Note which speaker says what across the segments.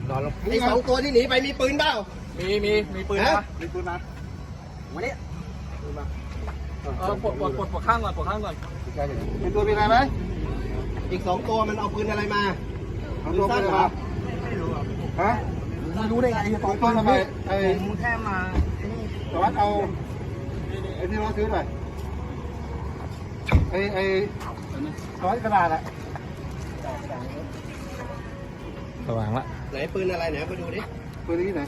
Speaker 1: นอนลงไอ้2 ตัวที่หนีไปมีปืนเปล่า
Speaker 2: มีปืนนะมีปืนมาวันนี้ปลดข้างก่อน
Speaker 1: เป็นตัวเป็นอะไรไหมอีก2 ตัวมันเอาปืนอะไรมาปืนสั้นเหรอฮะ
Speaker 2: รู้ได้ไง
Speaker 1: 2 ตัวทำไม
Speaker 2: มึงแค่มา
Speaker 1: สวัสดิ์เอาไอ้ที่เราซื้อหน่อยไอ้สวัสดิ์กระดาษอะ
Speaker 3: สว่างละ
Speaker 1: ไหนปืนอะไรไหนไปดูดิปืนที่ไหน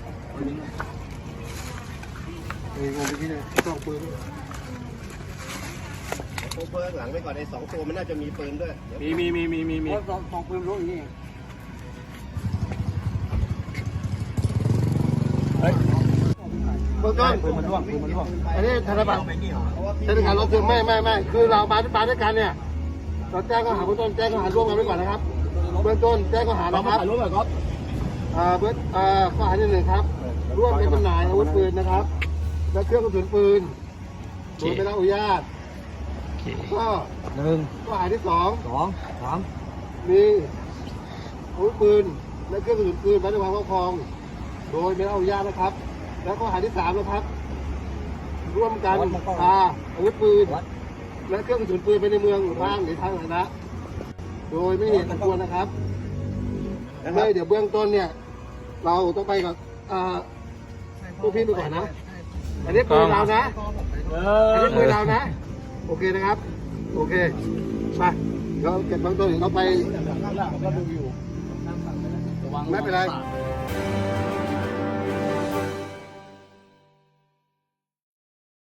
Speaker 1: งงไปที่ไหนต้องปืนโคเบิร์กหลังไปก่อนไอ้2 ตัวมันน่าจะมีปืนด้วย
Speaker 2: มีสองปืนรู้อย่างนี้
Speaker 1: เบื้องต้น
Speaker 2: ปืนมันร่วง
Speaker 1: อันนี้ธนบัตรธนาคารเราคือไม่คือเรามาด้วยกันเนี่ยเราแจ้งข้อหาเบื้องต้นแจ้งข้อหาร่วมกันไว้ก่อนนะครับเบื้องต้นแจ้งข้อหานะครับ
Speaker 2: ร่วมกับก๊อฟ
Speaker 1: ข้อหาที่1ครับร่วมกันจำหน่ายอาวุธปืนนะครับและเครื่องกระสุนปืนโดยไม่ได้รับอนุญาตก็ข้อหาที่2มีอาวุธปืนและเครื่องกระสุนปืนไว้ในความครอบครองโดยไม่ได้รับอนุญาตนะครับและข้อหาที่3นะครับร่วมกันพาอาวุธปืนและเครื่องกระสุนปืนไปในเมืองหรือบ้านหรือทางสาธารณะโดยไม่เห็นสมควรนะครับเดี๋ยวเบื้องต้นเนี่ยเราต้องไปกับพวกพี่ไปก่อนนะอันนี้ปืนเรานะอันนี้ปืนเรานะโอเคนะครับโอเคไปเราเก็บเบื้องต้นเราไปไม่เป็นไร